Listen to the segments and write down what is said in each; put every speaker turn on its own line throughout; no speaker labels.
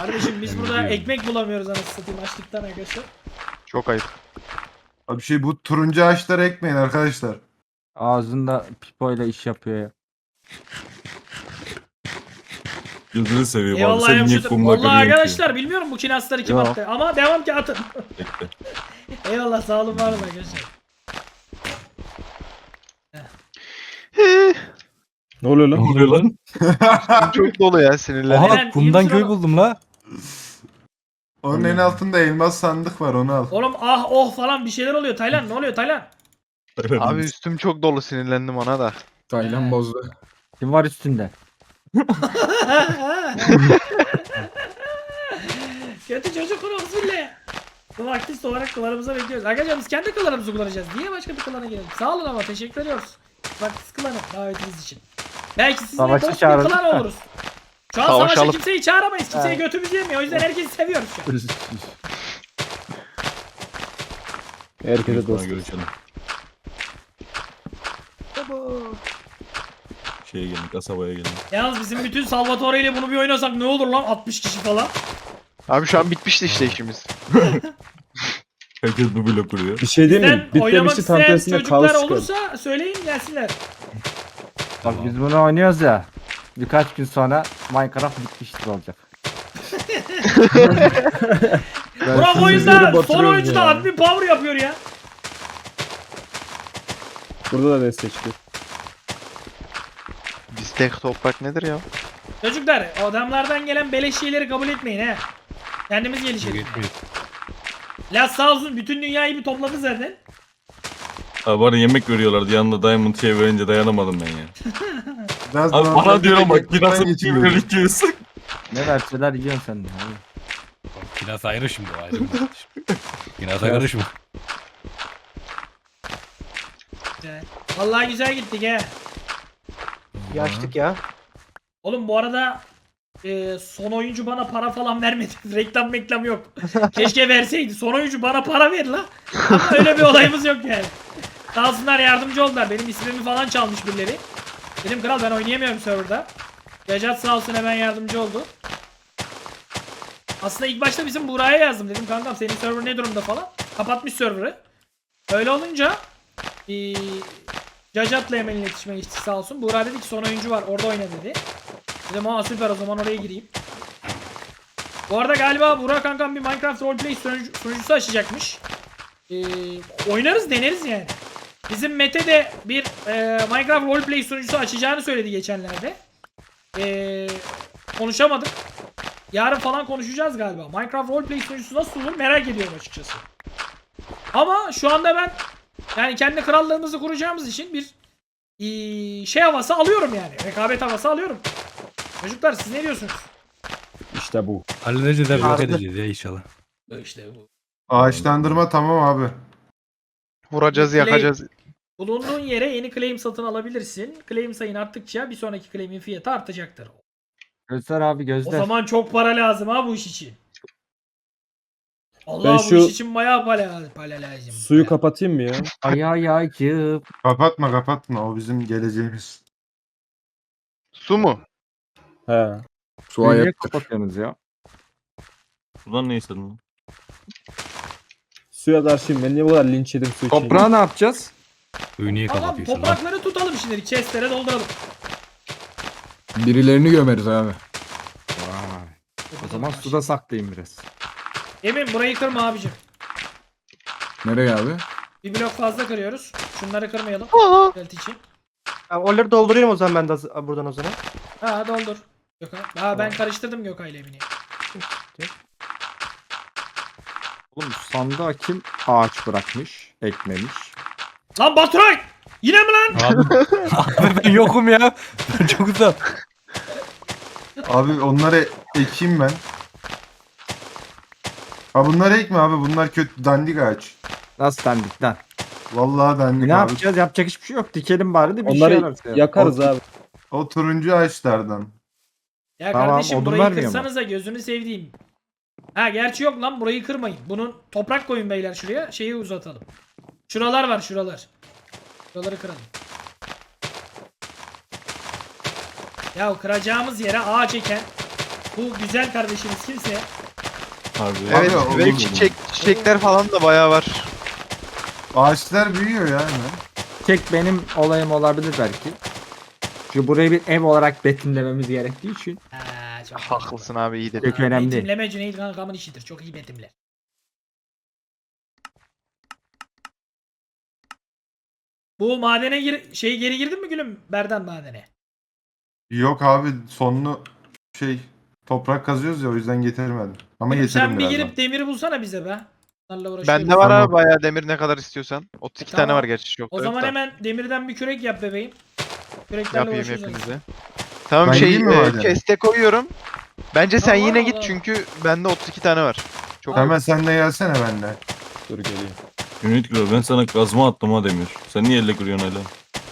Kardeşim biz burada ekmek bulamıyoruz anasını satayım açlıktan arkadaşlar.
Çok ayıp.
Abi bu turuncu ağaçları ekmeyin arkadaşlar.
Ağzında pipoyla iş yapıyor ya.
Gözünü seveyim abi.
Eyvallah
Sen niye
yapıştır.
kumla
Vallahi
kırıyorsun ki?
arkadaşlar bilmiyorum bu kinasları kim
Yo.
attı ama devam ki atın.
Bekle.
Eyvallah sağ olun var olun arkadaşlar.
Ne oluyor
Ne
lan?
oluyor lan?
Çok dolu ya sinirlendim.
Aha.
Aha kumdan
iyi
köy
misin
buldum la.
Onun en altında elmas sandık var, onu al.
Oğlum ah oh falan bir şeyler oluyor Taylan ne oluyor Taylan?
Abi üstüm çok dolu sinirlendim ona da.
Taylan bozdu.
Kim var üstünde?
Kötü çocuk kuruluz bile. Bu aktif olarak klanımıza bekliyoruz. Arkadaşlar biz kendi klanımızı kullanacağız. Niye başka bir klana girelim? Sağ olun ama teşekkür ediyoruz. Vaktis klanı davetiniz için. Belki sizinle
Savaşı
dost bir
çağırırız
klan
da.
oluruz. Şu an savaşa
Savaşalım.
kimseyi çağıramayız. Kimseye
Ha.
götümüz yemiyor. O yüzden herkesi seviyoruz şu an.
Herkese
Sonra
dost.
görüşelim. Şeye gelin, kasabaya gelin.
Yalnız bizim bütün Salvatore ile bunu bir oynasak ne olur lan? 60 kişi falan.
Abi şu an bitmişti işte işimiz.
Herkes bu blok kuruyor.
Bir şey değil mi?
Bizden oynamak
Bitmemişti tam
isteyen
tersine
çocuklar
kaos çıkar.
olursa söyleyin gelsinler.
Bak biz bunu oynuyoruz ya. Birkaç gün sonra Minecraft bitmiştir olacak.
Burak
sizleri
oyunda son
batırıyorum
oyuncu da
ya.
admin power yapıyor ya.
Burada da destek çıkıyor.
Bistek toprak nedir ya?
Çocuklar adamlardan gelen beleş şeyleri kabul etmeyin he. Kendimiz gelişelim. Las sağ olsun bütün dünyayı bir topladı zaten.
Abi bana yemek veriyorlardı, yanında Diamond şey verince dayanamadım ben ya.
Biraz
Abi bana
mantıklı
diyorum bak,
ekmekten
nasıl
geçiriyorum.
bir ikiyorsun?
Ne verseler yiyorsun sen de. Abi.
Kinas ayrı şimdi o ayrı. Kinas'a karışma.
Vallahi güzel gittik he.
Yaştık ya.
Oğlum bu arada son oyuncu bana para falan vermedi. Reklam yok. Keşke verseydi. Son oyuncu bana para ver la. Ama öyle bir olayımız yok yani. Sağ olsunlar yardımcı oldular. Benim ismimi falan çalmış birileri. Dedim kral ben oynayamıyorum serverda. Cacat sağ olsun hemen yardımcı oldu. Aslında ilk başta bizim Burak'a yazdım. Dedim kankam senin server ne durumda falan. Kapatmış server'ı. Öyle olunca Cacat'la hemen iletişime geçtik sağ olsun. Burak dedi ki son oyuncu var orada oyna dedi. Dedim aa süper o zaman oraya gireyim. Bu arada galiba Burak kankam bir Minecraft roleplay sunucusu açacakmış. Oynarız deneriz yani. Bizim Mete de bir Minecraft roleplay sunucusu açacağını söyledi geçenlerde. Konuşamadık. Yarın falan konuşacağız galiba. Minecraft roleplay sunucusu nasıl olur merak ediyorum açıkçası. Ama şu anda ben yani kendi krallığımızı kuracağımız için bir şey havası alıyorum yani. Rekabet havası alıyorum. Çocuklar siz ne diyorsunuz?
İşte bu.
Halledeceğiz abi yok
Harbi.
edeceğiz ya inşallah.
İşte bu.
Ağaçlandırma tamam abi.
Vuracağız yakacağız.
Bulunduğun yere yeni claim satın alabilirsin. Claim sayın arttıkça bir sonraki claim'in fiyatı artacaktır.
Göster abi
O
gözler.
zaman çok para lazım ha bu iş için. Allah
Ben
bu
şu
iş için bayağı para lazım.
Suyu kapatayım mı ya?
Ayağı yayıp.
Kapatma, o bizim geleceğimiz.
Su mu?
He.
Niye kapatıyorsunuz ya?
Buradan ne istedin lan?
Suya karşıyım. Ben niye bu kadar linç yedim su için?
Toprağı ne yapacağız?
Suyu niye
Tamam
kapatıyorsun lan?
toprakları tutalım şimdi. Chestlere dolduralım.
Birilerini gömeriz abi.
Vay. O zaman suda saklayayım biraz.
Emin burayı kırma abicim.
Nereye abi?
Bir blok fazla kırıyoruz. Şunları kırmayalım. Belt için.
Abi onları dolduruyorum o zaman ben de buradan o zaman.
Ha doldur. Gökay. Ha ben karıştırdım Gökay ile Emin'i.
Oğlum bu sandığa kim ağaç bırakmış, ekmemiş?
Lan Baturay! Yine mi lan?
Abi ben yokum ya. Ben çok uzak.
Abi onları ekeyim ben. Ha bunları ekme abi, bunlar kötü dandik ağaç.
Nasıl dandik lan?
Vallahi dandik
Ne
abi.
yapacağız? Yapacak hiçbir şey yok. Dikelim bari de bir şey
Onları
yararsa.
yakarız abi.
O turuncu ağaçlardan.
Ya
Tamam,
kardeşim
odun
burayı
vermiyor mu?
kırsanıza gözünü sevdiğim. Ha gerçi yok lan burayı kırmayın. Bunun toprak koyun beyler şuraya. Şeyi uzatalım. Şuralar var şuralar. Şuraları kıralım. Ya kıracağımız yere ağaç eken Bu güzel kardeşimiz kimse.
Harbi.
Evet
Abi,
ve
olur,
çiçekler falan da bayağı var.
Ağaçlar büyüyor ya hemen.
Tek benim olayım olabilir belki. Çünkü burayı bir ev olarak betimlememiz gerektiği için.
Çok
Haklısın abi iyi dedin.
Pek önemli.
Betimleme Cüneyt kankamın işidir. Çok iyi betimler. Bu madene geri girdin mi gülüm? Berdan madene.
Yok abi sonunu toprak kazıyoruz ya o yüzden getirmedim. Ama
Gülüm,
getiririm
sen bir
birazdan.
girip demiri bulsana bize be. Bunlarla uğraşıyoruz.
Bende var
Tamam.
abi bayağı demir ne kadar istiyorsan. 32 tane
Tamam.
var gerçi çok.
O
da
zaman
yok da.
hemen demirden bir kürek yap bebeğim. Küreklerle
Yapayım
uğraşıyoruz.
hepinize. Tamam
Ben gideyim mi madem?
chest'e koyuyorum. Bence sen
Tamam,
yine
tamam.
git çünkü bende 32 tane var. Çok
Hemen sen de gelsene benimle.
Dur geleyim.
Ümit Gürel, ben sana kazma attım ha Demir. Sen niye elle kırıyorsun hala?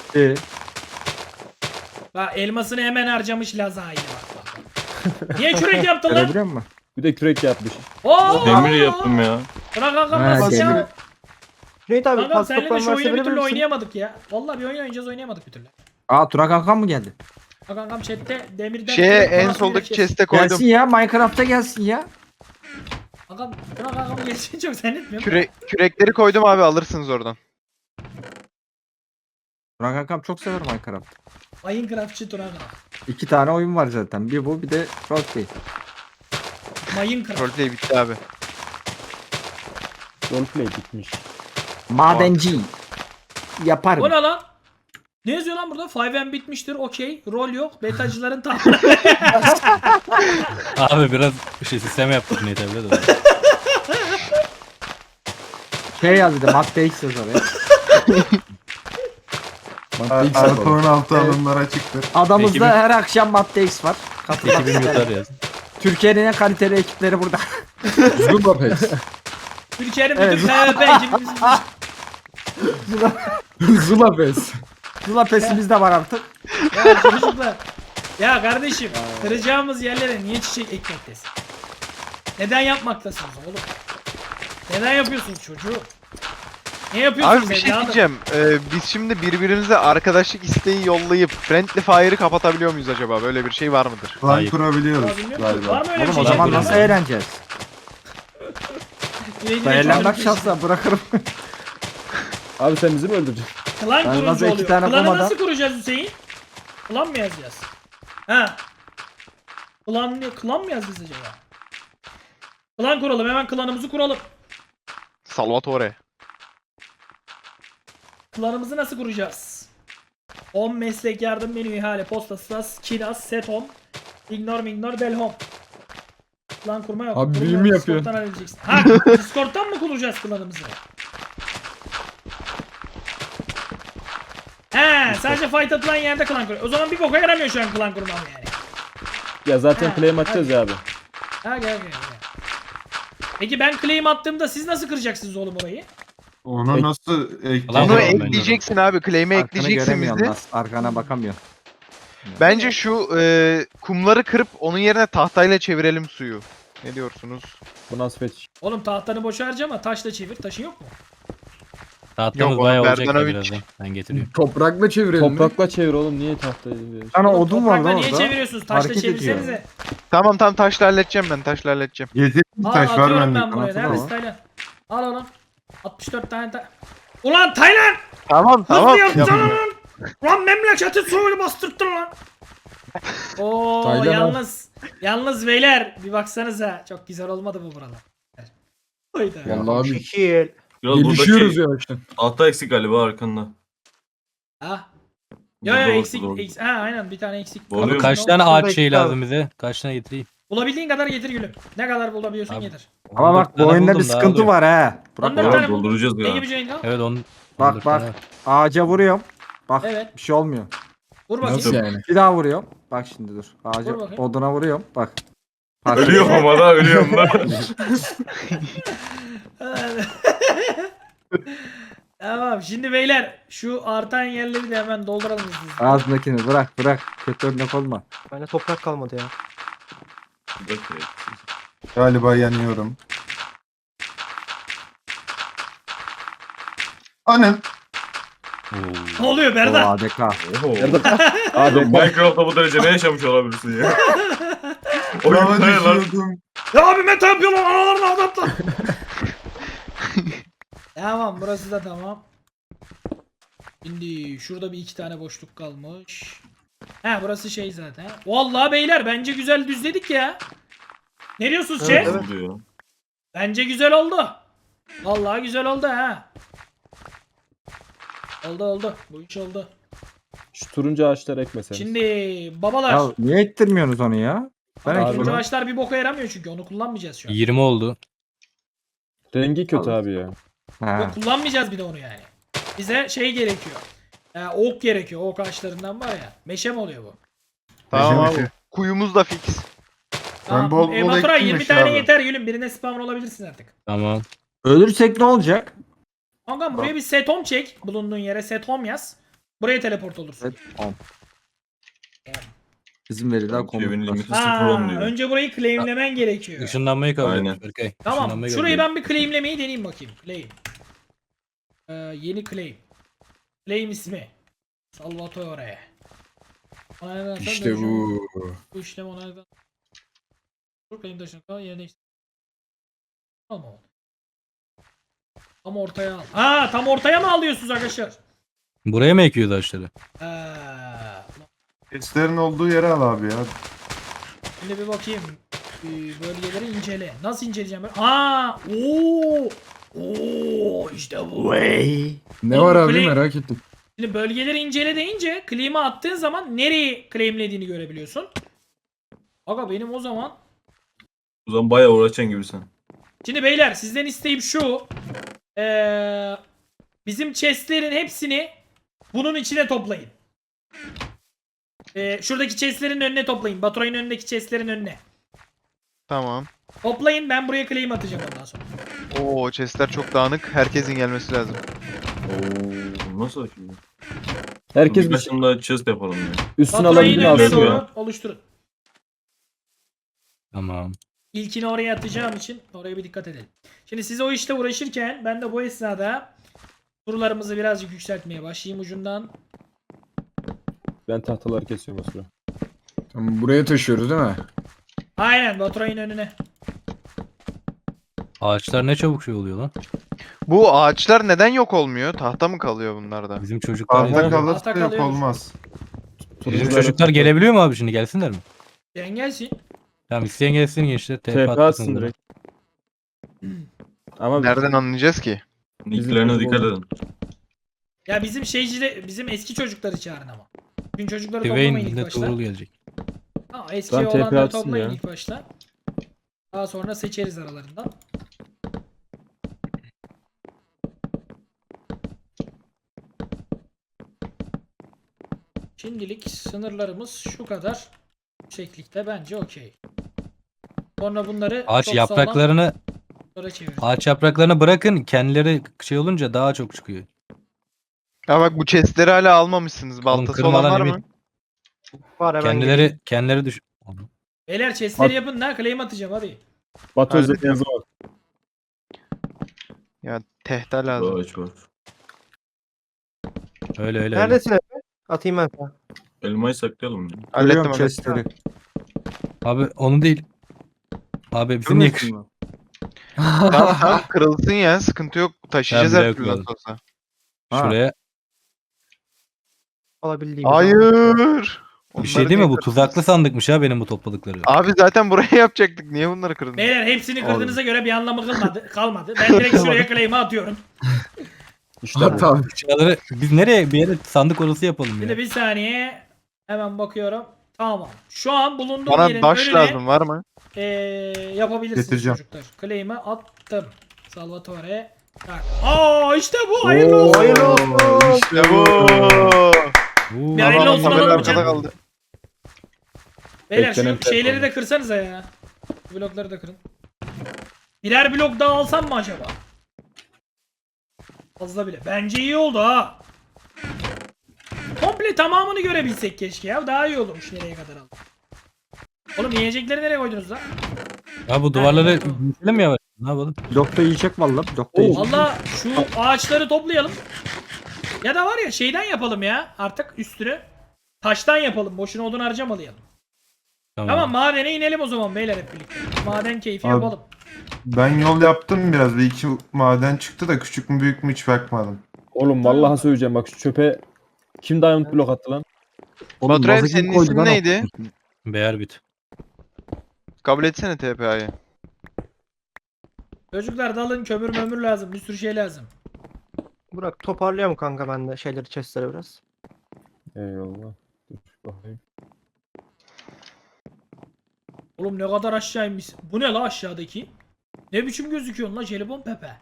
Bak elmasını hemen harcamış Lazayı bak. Niye kürek yaptın lan?
Görebiliyor musun?
Bir de kürek yapmış.
Oo!
Demir yaptım ya.
Bırak kankam
Ha,
nasıl
demir.
ya?
Cüneyt abi
Kankam
pas
seninle de
toplam
şu
varsa
oyunu bir
verebilir
türlü
misin?
oynayamadık ya. Vallahi bir oyun oynayacağız oynayamadık bir türlü.
Aa Turan Hakan mı geldi?
Bak kankam chatte demirden...
şeye
kürek
en
nasıl
soldaki
üreteceğiz?
chest'e koydum.
Gelsin ya Minecraft'a gelsin ya.
Kankam Turan kankam gelsin çok zannetmiyorum.
Kürekleri koydum abi alırsınız oradan.
Turan Hakan çok sever Minecraft.
Minecraftçı Turan kankam.
2 tane oyun var zaten. Bir bu bir de Roleplay.
Minecraft.
Roleplay bitti abi.
Roleplay bitmiş.
Madenci. Yaparım.
O ne lan? Ne yazıyor lan burada? 5M bitmiştir okey. Rol yok. Betacıların tahmini.
Abi biraz sistem yaptık Cüneyt abi de.
Şey yaz bir de Max DX yaz oraya.
Artı 16 alımlar açıktır.
Adamızda
Ekibim-
her akşam Max DX var. Katılmak
Ekibim
isterim.
yutar yaz.
Türkiye'nin en kaliteli ekipleri burada.
Zula pes.
Türkiye'nin
Evet.
bütün PvP ekibimiz.
Zula pes.
Zula pesimiz de var artık.
Ya çocuklar. Ya kardeşim. Kıracağımız yerlere niye çiçek ekmektesin? Neden yapmaktasınız oğlum? Neden yapıyorsunuz çocuğu? Ne yapıyorsunuz
Abi bir şey
evladım?
diyeceğim. Biz şimdi birbirimize arkadaşlık isteği yollayıp Friendly Fire'ı kapatabiliyor muyuz acaba? Böyle bir şey var mıdır?
Plan
Hayır.
kurabiliyoruz
Ya bilmiyorum ki,
galiba.
var mı öyle bir
Oğlum
şey?
o zaman
Yapıyorum
nasıl
ben.
eğleneceğiz?
Yayını
Ben
çok
eğlenmek
önemli.
şahsen bırakırım.
Abi sen bizi mi öldüreceksin?
Klan
Ben
kurucu
nasıl iki
oluyor.
tane
Klanı
bulmadan-
nasıl kuracağız Hüseyin? Klan mı yazacağız? Ha? Klan mı yazacağız acaba? Klan kuralım. Hemen klanımızı kuralım.
Salvatore.
Klanımızı nasıl kuracağız? 10 meslek yardım menü ihale posta stas kinas setom ignore belhom. Klan kurma yok.
Abi,
Kurma
büyü mü
yok,
yapıyorsun?
Discord'dan halledeceksin. Ha, Discord'dan mı kuracağız klanımızı? He, sadece fight atılan yerde klan kuruyor. O zaman bir boka yaramıyor şu an klan kurmam yani.
Ya zaten
Ha,
claim atacağız ya abi.
Ha gel. Peki ben claim attığımda siz nasıl kıracaksınız oğlum orayı?
Onu nasıl
Ulan
Bunu
Tamam,
ekleyeceğiz?
ben
ekleyeceksin abi. Claim'e
Arkanı
ekleyeceksin
göremiyorsun.
bizi.
Arkana bakamıyorsun.
Bence şu kumları kırıp onun yerine tahtayla çevirelim suyu. Ne diyorsunuz?
Bu nasıl fetch?
Oğlum tahtanı boş harcama taşla çevir. Taşın yok mu?
Tahtamız
Yok,
bayağı
oğlum,
olacak da
Berdanovic.
birazdan. Ben getiriyorum.
Toprakla çevirelim mi?
Toprakla çevir oğlum niye tahtayı veriyorsun?
Sana
Oğlum,
odun var
toprakla
lan
niye
orada.
çeviriyorsunuz? Taşla
Hareket ediyor.
çevirsenize.
Tamam taşla halledeceğim ben. Taşla halledeceğim.
Getirdim
Al
taş var
atıyorum
bende.
ben buraya.
Kanatı da
Neredesin
var.
Taylan? Al oğlum. 64 tane Ulan Taylan!
Tamam
Hızlı yapsana
Yapma.
lan! Lan memleketi soyunu bastırttın lan! Oo
Taylan al.
yalnız beyler bir baksanıza çok güzel olmadı bu buralar. Hayda.
Vallahi abi
Şekil.
Biraz
gelişiyoruz
buradaki
yavaştan.
tahta eksik galiba arkanda.
Ha? Yo
Burada
eksik,
doğru.
eksik. Ha aynen bir tane eksik.
Oluyor
Abi
mu?
kaç tane
Şurada
ağaç şey
iki tane.
lazım bize? Kaç tane getireyim?
Bulabildiğin kadar getir gülüm. Ne kadar bulabiliyorsun
Abi,
getir.
Ama bak bu
14 tane
oyunda bir
buldum, daha
sıkıntı
alıyorum.
var ha. Bırak
14
onu.
tane
Ya dolduracağız
Ne
ya.
gibi Cenk al?
Evet onun.
Bak
14
bak.
tane.
Ağaca vuruyorum. Bak
Evet.
bir şey olmuyor.
Vur bakayım.
Nasıl yani?
Bir daha vuruyorum. Bak şimdi dur. Ağaca
Vur bakayım.
oduna vuruyorum. Bak.
Ölüyorum ama da ölüyorum da.
Tamam şimdi beyler şu artan yerleri de hemen dolduralım hızlı.
Ağzındakini bırak. Kötü örnek olma.
Bende toprak kalmadı ya.
Galiba yanıyorum. Anam.
Ne oluyor
O
Berda?
ADK.
Oho.
Abi
Minecraft'ta bu derece ne yaşamış olabilirsin ya?
Lava
ne lan?
düşüyordum.
Ya abi meta yapıyorlar analarını avratlar. Tamam burası da tamam. Şimdi şurada bir iki tane boşluk kalmış. He burası şey zaten. Vallahi beyler bence güzel düzledik ya. Ne diyorsunuz chat?
Evet.
Oluyor.
Bence güzel oldu. Vallahi güzel oldu ha. Oldu. Bu iş oldu.
Şu turuncu ağaçları ekmeseniz.
Şimdi babalar.
Ya niye ettirmiyorsunuz onu ya? Ben
Ama
Abi,
turuncu
ektim.
ağaçlar bir boka yaramıyor çünkü onu kullanmayacağız şu an.
20 oldu.
Rengi kötü abi ya.
Ha.
Yok kullanmayacağız bir de onu yani. Bize şey gerekiyor. Ok gerekiyor. Ok ağaçlarından var ya. Meşe mi oluyor bu?
Tamam
Meşe,
abi.
meşe.
Kuyumuz da fix.
Ben bol bol
Baturay
ektim
20
meşe
tane
abi.
yeter gülüm. Birine spawn olabilirsin artık.
Tamam.
Ölürsek ne olacak?
Kankam buraya bir set home çek. Bulunduğun yere set home yaz. Buraya teleport olursun.
Evet, tamam. Bizim veriler
Evin limiti
komut.
0-10 diyor.
Önce burayı claimlemen gerekiyor.
Işınlanmayı kabul
Aynen.
etmiş Berkay.
Tamam.
Işınlanmayı
Şurayı
kabul
ben bir claimlemeyi deneyeyim bakayım. Claim. Yeni claim. Claim ismi. Salvatore. Onaylanan
İşte bu.
Bu işlem onaylanan. Claim taşına kal yerine işte. Tamam. Tam ortaya al. Ha tam ortaya mı alıyorsunuz arkadaşlar?
Buraya mı ekiyordu ağaçları?
Chestlerin olduğu yere al abi ya.
Şimdi bir bakayım. Bölgeleri incele. Nasıl inceleyeceğim ben? Aa! Oo! İşte bu.
Ne
Oğlum,
var abi
claim-
merak ettim.
Şimdi bölgeleri incele deyince claim'e attığın zaman nereyi claimlediğini görebiliyorsun. Aga benim o zaman.
O zaman bayağı uğraşacaksın gibi sen.
Şimdi beyler sizden isteğim şu. Bizim chestlerin hepsini bunun içine toplayın. Şuradaki chestlerin önüne toplayın. Baturay'ın önündeki chestlerin önüne.
Tamam.
Toplayın ben buraya claim atacağım ondan sonra.
Oo chestler çok dağınık. Herkesin gelmesi lazım.
Oo, nasıl açıyor?
Herkes bir
Birkaç tane daha chest yapalım ya.
üstüne
Baturay'ın
alabilir
önüne
aslında.
doğru oluşturun.
Tamam.
İlkini oraya atacağım için oraya bir dikkat edelim. Şimdi siz o işte uğraşırken ben de bu esnada turlarımızı birazcık yükseltmeye başlayayım ucundan.
Ben tahtaları kesiyorum o sıra.
Tamam, buraya taşıyoruz değil mi?
Aynen Baturay'ın önüne.
Ağaçlar ne çabuk şey oluyor lan.
Bu ağaçlar neden yok olmuyor? Tahta mı kalıyor bunlarda?
Bizim çocuklar.
Tahta
Aynen.
kalırsa
Tahta
yok
kalıyormuş.
olmaz.
Bizim
Turuncuları-
çocuklar gelebiliyor mu abi şimdi gelsinler mi?
Sen gelsin.
Tamam isteyen gelsin gençler.
TP atsın direkt. Ama
Nereden anlayacağız ki?
Nicklerine
çocuk
dikkat
oldu.
edin.
Ya bizim bizim eski çocukları çağırın ama. Bugün çocukları toplamayın ilk
Tüveyin de
başta.
Tuğrul gelecek.
Ha, eski
Tamam, TP
olanları
atsın
toplayın
ya.
ilk başta. Daha sonra seçeriz aralarından. Şimdilik sınırlarımız şu kadar yükseklikte bence okey. Sonra bunları
Ağaç
çok
yapraklarını
sağlam çeviririz.
ağaç yapraklarını bırakın kendileri şey olunca daha çok çıkıyor.
Ya bak bu chestleri hala almamışsınız. Baltası
kırma
olan
lan
var
Emir.
mı?
Var hemen geleyim.
Kendileri düş.
Beyler chestleri yapın da claim atacağım hadi.
Batu
Hadi.
özelliği yazı var.
Ya tehta lazım.
Ağaç var.
Öyle.
Neredesin Efe? Atayım ben sana.
Elmayı saklayalım ya.
Hallettim
Hallettim
hallettim.
chestleri.
Abi onu değil. Abi bizim niye kır?
Tamam tamam kırılsın ya. Sıkıntı yok. Taşıyacağız
Ben
her
bile
türlü
yokladım.
nasıl olsa.
Ha.
Şuraya
Alabildiğim.
Hayır.
bir şey değil mi bu tuzaklı sandıkmış ha benim bu topladıkları.
Abi zaten buraya yapacaktık. Niye bunları kırdın?
Beyler hepsini kırdığınıza göre bir anlamı kalmadı. Ben direkt şuraya claim'i atıyorum.
İşte bu.
Hatta
Eşyaları biz nereye bir yere sandık odası yapalım
Şimdi
ya.
bir saniye. Hemen bakıyorum. Tamam. Şu an bulunduğum
Bana
yerin
daş
önüne
lazım var mı?
yapabilirsiniz
Getireceğim.
çocuklar. Claim'i attım. Salvatore. Tak. Aa işte bu. Hayırlı olsun.
Hayırlı olsun.
İşte bu.
Oo.
Bir hayırlı
Tamam,
olsun
tabela
alalım
arkada
hocam.
kaldı.
Beyler şu
Beklenen
şeyleri
telefon.
de kırsanıza ya. Bu blokları da kırın. Birer blok daha alsam mı acaba? Fazla bile. Bence iyi oldu ha. Komple tamamını görebilsek keşke ya. Daha iyi olurmuş nereye kadar aldım. Oğlum yiyecekleri nereye koydunuz lan?
Ya bu duvarları büyütelim mi yavaş? Ne yapalım?
Blokta yiyecek valla. Blokta yiyecek.
Valla şu ağaçları toplayalım. Ya da var ya şeyden yapalım ya. Artık üstünü taştan yapalım. Boşuna odun harcamayalım. Tamam madene inelim o zaman beyler hep birlikte. Maden keyfi
Abi-
yapalım.
Ben yol yaptım biraz. Bir iki maden çıktı da küçük mü büyük mü hiç bakmadım.
Oğlum vallahi söyleyeceğim bak şu çöpe kim diamond block attı lan?
Baturay abi senin ismin neydi?
Beyerbit.
Kabul etsene TPA'yı.
Çocuklar dalın kömür mömür lazım. Bir sürü şey lazım.
Burak toparlıyorum kanka ben de şeyleri chest'leri biraz.
Eyvallah. Dur bakayım.
Oğlum ne kadar aşağı inmiş. Bu ne la aşağıdaki? Ne biçim gözüküyorsun la jelibon Pepe?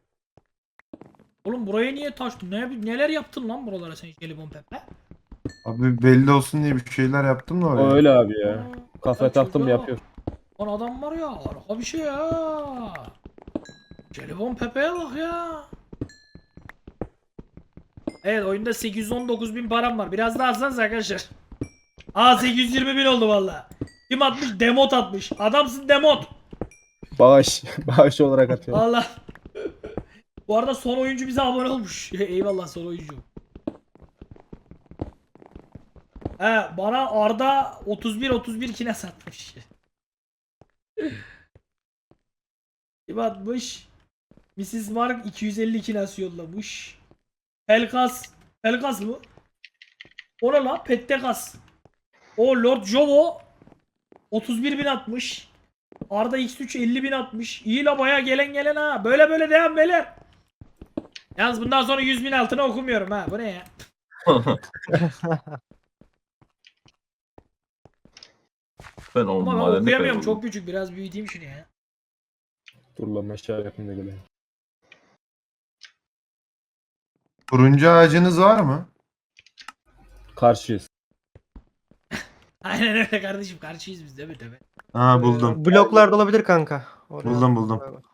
Oğlum buraya niye taş? Neler yaptın lan buralara sen jelibon Pepe?
Abi belli olsun diye bir şeyler yaptım da
O
oraya.
öyle abi ya.
Aa,
Kafaya
sen
taktım
çocuğa
yapıyor.
bak. Lan adam var ya harika bir şey ya. Jelibon Pepe'ye bak ya. Evet oyunda 819.000 param var. Biraz daha atsanız arkadaşlar. Aa 820.000 oldu valla. Kim atmış? Demot atmış. Adamsın Demot.
Bağış. Bağış olarak atıyor.
Valla. Bu arada son oyuncu bize abone olmuş. Eyvallah son oyuncu. He bana Arda 31 kine satmış. Kim atmış? Mrs. Mark 250 kinası yollamış. Pelkas mı? O ne la? Pettekas. O Lord Jovo 31.000 atmış. Arda X3 50.000 atmış. İyi la baya gelen ha. Böyle devam beyler. Yalnız bundan sonra 100.000 altına okumuyorum ha. Bu ne ya?
Ben oğlum
Ama ben
madende
okuyamıyorum.
kayboldum.
Çok küçük. Biraz büyüteyim şunu ya.
Dur lan meşale yapayım da geleyim.
Turuncu ağacınız var mı?
Karşıyız.
Aynen öyle kardeşim. Karşıyız biz değil mi? Tabii.
Ha buldum.
Bloklar da olabilir kanka. Oraya-
Buldum.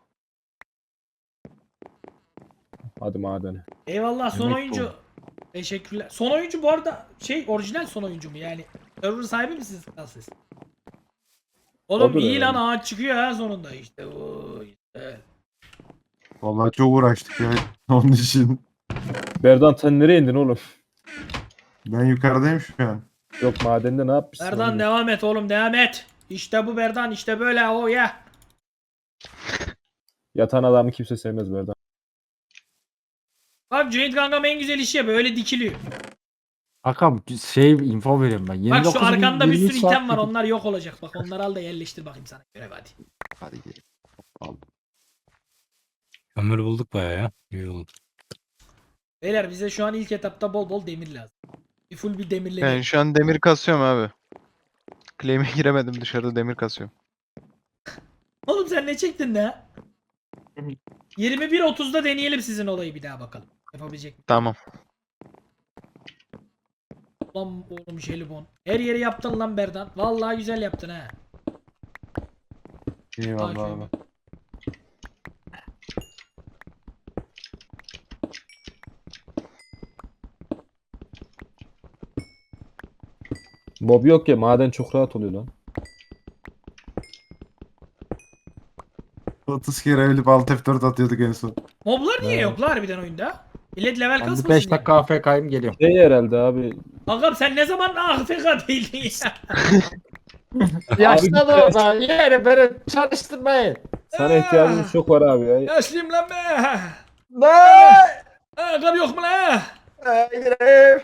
Hadi madene.
Eyvallah son
Demek
oyuncu. Teşekkürler. Son oyuncu bu arada orijinal son oyuncu mu yani? Server sahibi misiniz siz? Oğlum
Odur
iyi lan
herhalde.
ağaç çıkıyor ha sonunda işte. Oo, işte.
Vallahi çok uğraştık ya onun için.
Berdan sen nereye indin oğlum?
Ben yukarıdayım şu an.
Yok madende ne yapmışsın?
Berdan
oğlum?
devam et oğlum devam et. İşte bu Berdan işte böyle o ya.
Yatan adamı kimse sevmez Berdan.
Bak Cüneyt kankam en güzel işi yapıyor öyle dikiliyor.
Kankam info vereyim ben.
Bak
29
şu arkanda bir sürü
23 saat
item var onlar yok olacak. Bak onları al da yerleştir bakayım sana görev hadi.
Hadi gidelim.
Kömür bulduk bayağı ya. İyi oldu.
Beyler bize şu an ilk etapta bol bol demir lazım. Bir full bir demirle.
Ben şu an demir kasıyorum abi. Claim'e giremedim, dışarıda demir kasıyorum.
Oğlum sen ne çektin ne? 21.30'da deneyelim sizin olayı bir daha bakalım. Yapabilecek mi?
Tamam.
Lan oğlum jelibon. Her yeri yaptın lan Berdan. Vallahi güzel yaptın ha.
Eyvallah
Aferin.
abi.
Mob yok ya maden çok rahat oluyor lan.
30 kere ölüp alt F4 atıyorduk en son.
Moblar niye yok la harbiden oyunda? Millet level
Ben
kasmasın
bir 5
diye.
dakika AFK'yim geliyorum.
Şey herhalde abi.
Ağam sen ne zaman AFK değildin ya?
Yaşlı da o zaman yeri beni çalıştırmayın.
Sana ihtiyacımız çok var abi ya.
Yaşlıyım lan be.
Ne?
Ağam yok mu la?
Hayır.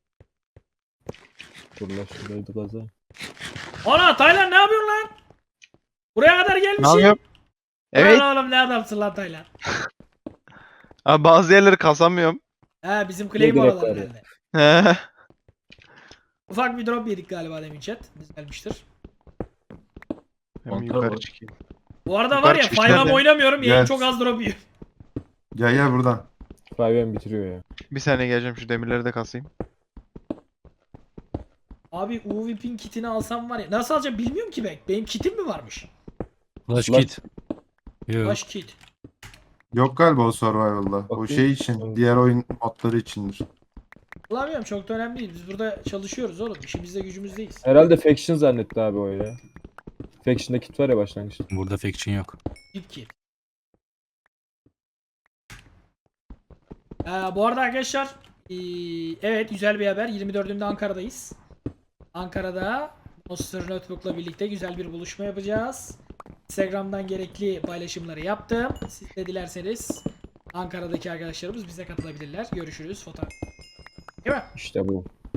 Dur lan şuradaydı gaza.
Ana Taylan ne yapıyorsun lan? Buraya kadar
Ne
gelmişsin.
yapıyorum? Evet.
Lan oğlum ne adamsın lan Taylan.
Abi bazı yerleri kasamıyorum.
He bizim claim
gerek
oralar
var ya?
herhalde.
He.
Ufak bir drop yedik galiba demin chat. Düzelmiştir.
Hemen
Mantar
yukarı
var.
çıkayım.
Bu arada
Yukarı
var ya
çıkış
5'am
nerede?
oynamıyorum yayın
Yes.
çok az drop yiyor.
Gel buradan.
Five'm bitiriyor ya.
Bir saniye geleceğim, şu demirleri de kasayım.
Abi UVP'in kitini alsam var ya. Nasıl alacağım bilmiyorum ki ben. Benim kitim mi varmış?
Flash
Flash-
kit. Yok.
Baş kit.
Yok galiba o Survival'da. O
Bakayım.
şey için, diğer oyun modları içindir.
Bulamıyorum çok da önemli değil. Biz burada çalışıyoruz oğlum. İşimizde gücümüzdeyiz.
Herhalde Faction zannetti abi o ya. Faction'da kit var ya başlangıçta.
Burada faction yok.
Kit kit. Bu arada arkadaşlar evet güzel bir haber. 24'ünde Ankara'dayız. Ankara'da Monster Notebook'la birlikte güzel bir buluşma yapacağız. Instagram'dan gerekli paylaşımları yaptım. Siz de dilerseniz Ankara'daki arkadaşlarımız bize katılabilirler. Görüşürüz. Fotoğraf. Değil mi?
İşte bu.